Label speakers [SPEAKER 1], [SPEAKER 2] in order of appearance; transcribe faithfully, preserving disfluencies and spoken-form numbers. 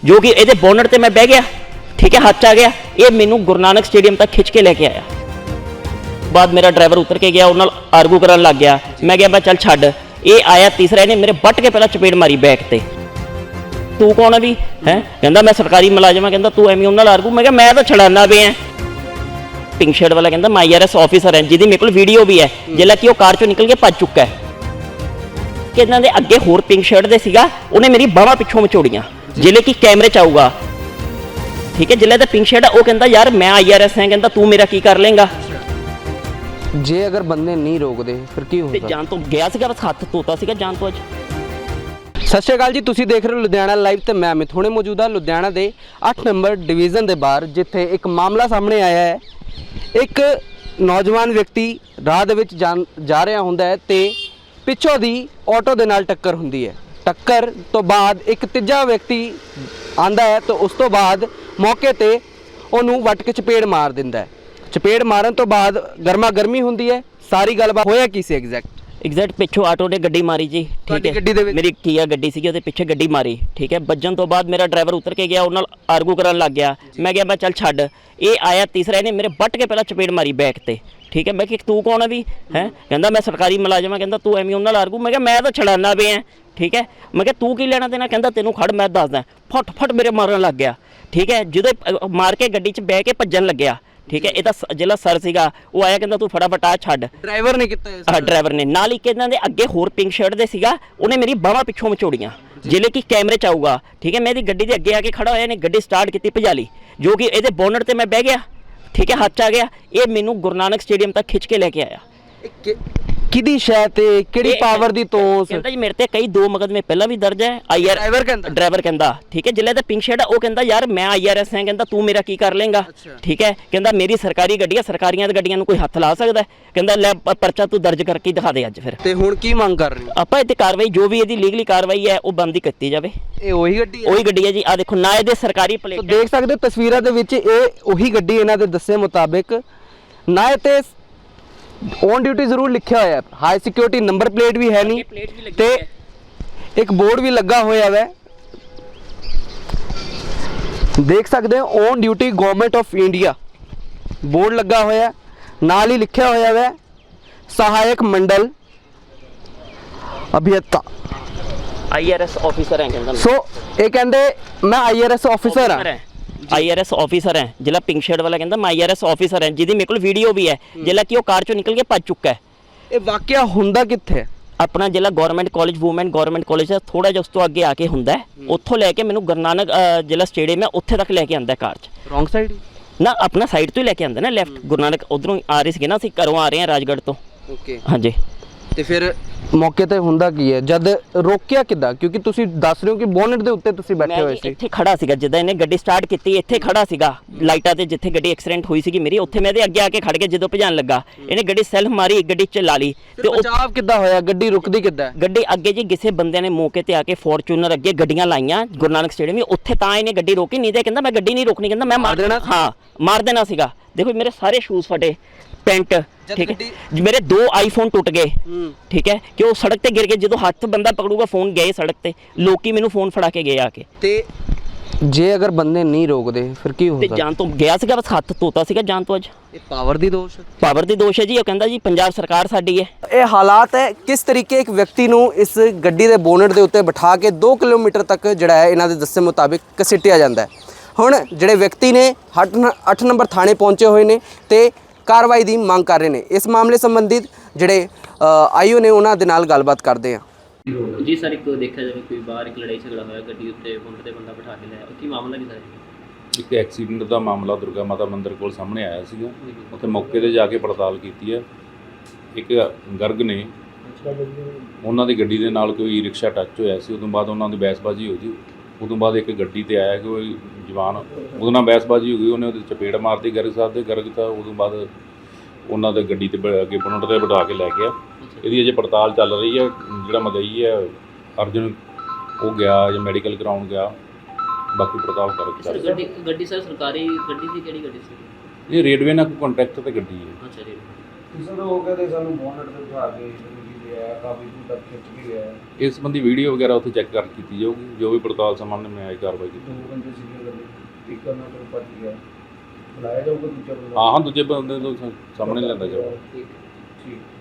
[SPEAKER 1] जो कि ये बोनट से मैं बह गया, ठीक है, हाथ च आ गया, ये मैनू गुरु नानक स्टेडियम तक खिंच के लेके आया। बाद मेरा ड्राइवर उतर के गया, उन्होंने आर्गू करन लग गया। मैं गया मैं चल छड्ड, ये आया तीसरा, इन्हें मेरे बट के पहला चपेड़ मारी बैक ते। तू कौन है भी है, कहता मैं सरकारी मुलाजम हाँ, कहता तू एवं उन्होंने आर्गू। मैं क्या मैं तो छड़ाना पे हैं। पिंक शर्ट वाला कहता मैं आई आर एस ऑफिसर है, जिहदी मेरे को वीडियो भी है, जिसला कि वो कार चों निकल के भज चुका है। कि इन्हां दे अगे होर पिंक शर्ट दे सीगा, उन्हें मेरी बाहां पिछों मचोड़ियां, जिहले कि कैमरे च आऊगा, ठीक है। जिले पिंक शर्ट है वो कहता यार मैं आई आर एस है, कहता तू मेरा की कर लेंगा।
[SPEAKER 2] जे अगर बंदे नहीं रोकते फिर की होगा?
[SPEAKER 1] जान तो गया सीगा, बस हाथ धोता सीगा जान तो। अज
[SPEAKER 2] सत श्री अकाल जी, तुसीं देख रहे हो लुधियाना लाइव ते मैं अमित। हुणे मौजूद हाँ लुधियाना के अठ नंबर डिवीजन के बाहर, जिथे एक मामला सामने आया है। एक नौजवान व्यक्ति राह दे विच जा जा रहा हुंदा है ते पिछों दी ऑटो दे नाल टक्कर हुंदी है। टक्कर तो बाद एक तीजा व्यक्ति आंदा है तो उस तो बाद मौके ते उहनूं वट के चपेड़ मार दिंदा है। चपेड़ मारन तो बाद गर्मा गर्मी हुंदी है। सारी गलबात होया की सी एग्जैक्ट?
[SPEAKER 1] एग्जैक्ट पिछों आटो ने गड्डी मारी जी, ठीक है।
[SPEAKER 2] गड्डी दे विच
[SPEAKER 1] मेरी किया गड्डी सी, ਉਹਦੇ ਪਿੱਛੇ ਗੱਡੀ ਮਾਰੀ, ठीक है। ਵੱਜਣ ਤੋਂ ਬਾਅਦ ਮੇਰਾ ਡਰਾਈਵਰ ਉਤਰ ਕੇ ਗਿਆ, ਉਹਨਾਂ ਨਾਲ ਆਰਗੂ ਕਰਨ ਲੱਗ ਗਿਆ। ਮੈਂ ਗਿਆ ਮੈਂ ਚੱਲ ਛੱਡ, ਇਹ ਆਇਆ ਤੀਸਰਾ, ਇਹਨੇ ਮੇਰੇ ਬੱਟ ਕੇ ਪਹਿਲਾਂ ਚਪੇੜ ਮਾਰੀ ਬੈਕ ਤੇ, ठीक है। मैं कि तू कौन है भी है, कहता मैं सरकारी मुलाजम हाँ, कहता तू एवं उन्होंने नाल आर्गू। मैं क्या मैं तो छड़ाना पे हैं, ठीक है। मैं क्या तू की लेना देना, कहता तेनों खड़ मैं दसदा। फट फट मेरे मारन लग गया, ठीक है। जो मार के गड्डी च बह के भज्जन लग्या, ठीक है। ਇਹਦਾ ਜਿਹੜਾ ਸਰ ਸੀਗਾ ਉਹ ਆਇਆ, ਕਹਿੰਦਾ ਤੂੰ ਫਟਾਫਟ ਆ ਛੱਡ।
[SPEAKER 2] ਡਰਾਈਵਰ ਨੇ ਕੀਤਾ
[SPEAKER 1] ਹਾਂ ਡਰਾਈਵਰ ਨੇ ਨਾਲ ਹੀ ਇਹਨਾਂ ਦੇ ਅੱਗੇ ਹੋਰ ਪਿੰਕ ਸ਼ਰਟ ਦੇ ਸੀਗਾ, ਉਹਨੇ ਮੇਰੀ ਬਾਹਾਂ ਪਿੱਛੋਂ ਮਚੋੜੀਆਂ, ਜਿਹੜੇ ਕਿ ਕੈਮਰੇ ਚ ਆਊਗਾ, ਠੀਕ ਹੈ। ਮੈਂ ਇਹਦੀ ਗੱਡੀ ਦੇ ਅੱਗੇ ਆ ਕੇ ਖੜਾ ਹੋਇਆ, ਇਹਨੇ ਗੱਡੀ ਸਟਾਰਟ ਕੀਤੀ ਭਜਾ ਲਈ, ਜੋ ਕਿ ਇਹਦੇ ਬੋਨਟ ਤੇ ਮੈਂ ਬਹਿ ਗਿਆ, ਠੀਕ ਹੈ, ਹੱਥ ਚ ਆ ਗਿਆ। ਇਹ ਮੈਨੂੰ ਗੁਰੂ ਨਾਨਕ ਸਟੇਡੀਅਮ ਤੱਕ ਖਿੱਚ ਕੇ ਲੈ ਕੇ ਆਇਆ।
[SPEAKER 2] ਕਿਹਦੀ ਸ਼ੈ ਤੇ ਕਿਹੜੀ ਪਾਵਰ ਦੀ ਤੋਸ?
[SPEAKER 1] ਕਹਿੰਦਾ ਜੀ ਮੇਰੇ ਤੇ ਕਈ ਦੋ ਮੁਕੱਦਮੇ ਪਹਿਲਾਂ ਵੀ ਦਰਜ ਹੈ। ਆਈ ਆਰ
[SPEAKER 2] ਡਰਾਈਵਰ ਕਹਿੰਦਾ
[SPEAKER 1] ਡਰਾਈਵਰ ਕਹਿੰਦਾ ਠੀਕ ਹੈ, ਜਿਲੇ ਦਾ ਪਿੰਕ ਸ਼ਰਟ ਹੈ ਉਹ ਕਹਿੰਦਾ ਯਾਰ ਮੈਂ ਆਈ ਆਰ ਐਸ ਹਾਂ, ਕਹਿੰਦਾ ਤੂੰ ਮੇਰਾ ਕੀ ਕਰ ਲੇਗਾ, ਠੀਕ ਹੈ। ਕਹਿੰਦਾ ਮੇਰੀ ਸਰਕਾਰੀ ਗੱਡੀ ਹੈ, ਸਰਕਾਰੀਆਂ ਦੀ ਗੱਡੀਆਂ ਨੂੰ ਕੋਈ ਹੱਥ ਲਾ ਸਕਦਾ? ਕਹਿੰਦਾ ਲੈ ਪਰਚਾ ਤੂੰ ਦਰਜ ਕਰਕੇ ਦਿਖਾ ਦੇ ਅੱਜ। ਫਿਰ
[SPEAKER 2] ਤੇ ਹੁਣ ਕੀ ਮੰਗ ਕਰ ਰਹੇ ਹੋ?
[SPEAKER 1] ਆਪਾਂ ਇੱਥੇ ਕਾਰਵਾਈ ਜੋ ਵੀ ਇਹਦੀ ਲੀਗਲੀ ਕਾਰਵਾਈ ਹੈ ਉਹ ਬੰਦ ਕੀਤੀ ਜਾਵੇ।
[SPEAKER 2] ਇਹ ਉਹੀ ਗੱਡੀ ਹੈ?
[SPEAKER 1] ਉਹੀ ਗੱਡੀ ਹੈ ਜੀ, ਆ ਦੇਖੋ ਨਾ ਇਹਦੇ ਸਰਕਾਰੀ ਪਲੇਟ
[SPEAKER 2] ਦੇਖ ਸਕਦੇ ਹੋ ਤਸਵੀਰਾਂ ਦੇ ਵਿੱਚ, ਇਹ ਉਹੀ ਗੱਡੀ ਇਹਨਾਂ ਦੇ ਦੱਸੇ ਮੁਤਾਬਿਕ। ਨਾ ਇਹ ਤੇ ऑन ड्यूटी जरूर लिखा होया, हाई सिक्योरिटी नंबर प्लेट भी है नहीं ते एक बोर्ड भी लगा होया है, देख सकते हैं on duty government of India board लगा होया, नाल ही लिखा होया है सहायक मंडल अभियंता
[SPEAKER 1] आई आर एस ऑफिसर है। कहंदा
[SPEAKER 2] सो ये कहंदे मैं आई आर एस ऑफिसर हाँ,
[SPEAKER 1] आई आर एस ऑफिसर है। जिला पिंक शर्ट वाला कहता मैं आई आर एस ऑफिसर है, जिहदी मेरे को वीडियो भी है, जिला कि वो कार चों निकल के भज चुका है।
[SPEAKER 2] ये वाकया हुंदा कित्थे?
[SPEAKER 1] अपना जिला government college women government college है, थोड़ा जिहा उस तो अगे आके हुंदा है, उत्थों लैके मैनूं गुरु नानक जिला स्टेडियम है उत्थे तक लैके आंदा कार च।
[SPEAKER 2] रॉन्ग साइड
[SPEAKER 1] ना अपना साइड तो ही लैके आंदा ना, लैफ्ट गुरु नानक उधरों आ रहे थे ना, असीं घरों आ रहे हैं राजगढ़ तो।
[SPEAKER 2] ओके
[SPEAKER 1] हाँ जी।
[SPEAKER 2] ਤੇ ਫਿਰ ਮੌਕੇ ਤੇ ਹੁੰਦਾ ਕੀ ਹੈ ਜਦ ਰੋਕਿਆ ਕਿੱਦਾਂ? ਕਿਉਂਕਿ ਤੁਸੀਂ ਦੱਸ ਰਹੇ ਹੋ ਕਿ ਬੋਨਟ ਦੇ ਉੱਤੇ ਤੁਸੀਂ ਬੈਠੇ ਹੋਏ ਸੀ।
[SPEAKER 1] ਇੱਥੇ ਖੜਾ ਸੀਗਾ ਜਦੋਂ ਇਹਨੇ ਗੱਡੀ ਸਟਾਰਟ ਕੀਤੀ, ਇੱਥੇ ਖੜਾ ਸੀਗਾ ਲਾਈਟਾਂ ਤੇ, ਜਿੱਥੇ ਗੱਡੀ ਐਕਸੀਡੈਂਟ ਹੋਈ ਸੀਗੀ ਮੇਰੀ, ਉੱਥੇ ਮੈਂ ਇਹਦੇ ਅੱਗੇ ਆ ਕੇ ਖੜ ਕੇ ਜਦੋਂ ਭਜਾਣ ਲੱਗਾ, ਇਹਨੇ ਗੱਡੀ ਸੈਲਫ ਮਾਰੀ, ਗੱਡੀ ਚ ਲਾ ਲਈ।
[SPEAKER 2] ਤੇ ਬਚਾਅ ਕਿੱਦਾਂ ਹੋਇਆ? ਗੱਡੀ ਰੁਕਦੀ ਕਿੱਦਾਂ?
[SPEAKER 1] ਗੱਡੀ ਅੱਗੇ ਜੀ ਕਿਸੇ ਬੰਦਿਆਂ ਨੇ ਮੌਕੇ ਤੇ ਆ ਕੇ ਫੋਰਚੂਨਰ ਅੱਗੇ ਗੱਡੀਆਂ ਲਾਈਆਂ ਗੁਰੂ ਨਾਨਕ ਸਟੇਡੀਅਮ, ਉੱਥੇ ਤਾਂ ਇਹਨੇ ਗੱਡੀ ਰੋਕੀ, ਨਹੀਂ ਤੇ ਕਹਿੰਦਾ ਮੈਂ ਗੱਡੀ ਨਹੀਂ ਰੋਕਣੀ, ਕਹਿੰਦਾ ਮੈਂ ਮਾਰ ਦੇਣਾ। ਹਾਂ ਮਾਰ ਦੇਣਾ ਸੀਗਾ। ਦੇਖੋ ਮੇਰੇ ਸਾਰੇ ਸ਼ੂਜ਼ ਫਟੇ, ਪੈਂਟ, ठीक है, मेरे दो आईफोन टूट गए, ठीक है, कि वो सड़क ते गिर गए। जो हाथ बंदा पकड़ूगा फोन गए सड़क ते, लोग मैनू फोन फड़ा के गए आके।
[SPEAKER 2] ते जे अगर बंदे नहीं रोकते फिर की होगा?
[SPEAKER 1] जान तो गया सीगा, बस हाथ धोता सीगा जान तो। अज
[SPEAKER 2] ये पावर दी दोष है?
[SPEAKER 1] पावर दी दोष है जी। वो कहंदा जी पंजाब सरकार साडी है।
[SPEAKER 2] ये हालात है किस तरीके एक व्यक्ति नू इस गड्डी दे बोनट दे उत्ते बिठा के दो किलोमीटर तक जिहड़ा है इन्हां दे दस्से मुताबिक घसीटिया जांदा है। हुण जिहड़े व्यक्ति ने अठ नंबर थाने पहुंचे हुए ने ते कार्रवाई की मांग कर रहे हैं। इस मामले संबंधित जोड़े आईओ ने उन्होंने नाल गलबात करते हैं।
[SPEAKER 1] जी सर, एक देखा जाए कोई बाहर एक लड़ाई झगड़ा होया, गड्डी उत्ते बोनट ते बंदा बिठा के लाया, की मामला की सर?
[SPEAKER 3] एक एक्सीडेंट का मामला दुर्गा माता मंदिर को सामने आया सीगा, उत्थे मौके ते जाके पड़ताल की है। एक गर्ग ने उन्होंने गड्डी दे नाल कोई रिक्शा टच होया सी, उदों बाद उन्होंने बहसबाजी हो गई। उदों बाद एक गड्डी ते आया कोई जवान, उदों नाल बहसबाजी हो गई, उन्हें उहदे चपेड़ मारती गर्ग साहब दे। गर्ग था उदों बाद उन्होंने गड्डी ते अगे बोनट ते बिठा के लै गया। इसकी अजे पड़ताल चल रही है। जिहड़ा मदई है अर्जुन वो गया या मैडिकल कराउण गया, बाकी पड़ताल कर
[SPEAKER 1] गड्डी गड्डी सर सरकारी गड्डी सी, किहड़ी गड्डी सी?
[SPEAKER 3] ये रेडवे नाल कोई कॉन्ट्रैक्ट ते गड्डी है।
[SPEAKER 1] अच्छा रेडवे
[SPEAKER 4] ਕਿਸੇ ਦਾ ਹੋ ਗਿਆ ਤੇ ਸਾਨੂੰ ਬੋਨਟ ਤੇ ਬਿਠਾ ਕੇ ਗਿਆ, ਕਾਫੀ ਦੂਰ ਤੱਕ ਖਿੱਚ ਕੇ ਗਿਆ।
[SPEAKER 3] ਇਸ ਸੰਬੰਧੀ ਵੀਡੀਓ ਵਗੈਰਾ ਉੱਥੇ ਚੈੱਕ ਕਰ ਕੀਤੀ ਜਾਊਗੀ, ਜੋ ਵੀ ਪੜਤਾਲ ਸਾਹਮਣੇ ਆਈ ਕਾਰਵਾਈ ਕੀਤੀ।
[SPEAKER 4] ਦੋ ਬੰਦੇ ਸੀਗੇ ਗੱਡੀ, ਇੱਕ ਉਹਨਾਂ ਤੋਂ ਭੱਜ ਗਿਆ। ਬੁਲਾਇਆ ਜਾਊਗਾ ਦੂਜਾ ਬੰਦਾ?
[SPEAKER 3] ਹਾਂ ਹਾਂ ਦੂਜੇ ਬੰਦੇ ਤੋਂ ਸਾਹਮਣੇ ਲਿਆਂਦਾ ਜਾਊਗਾ।
[SPEAKER 4] ਠੀਕ ਠੀਕ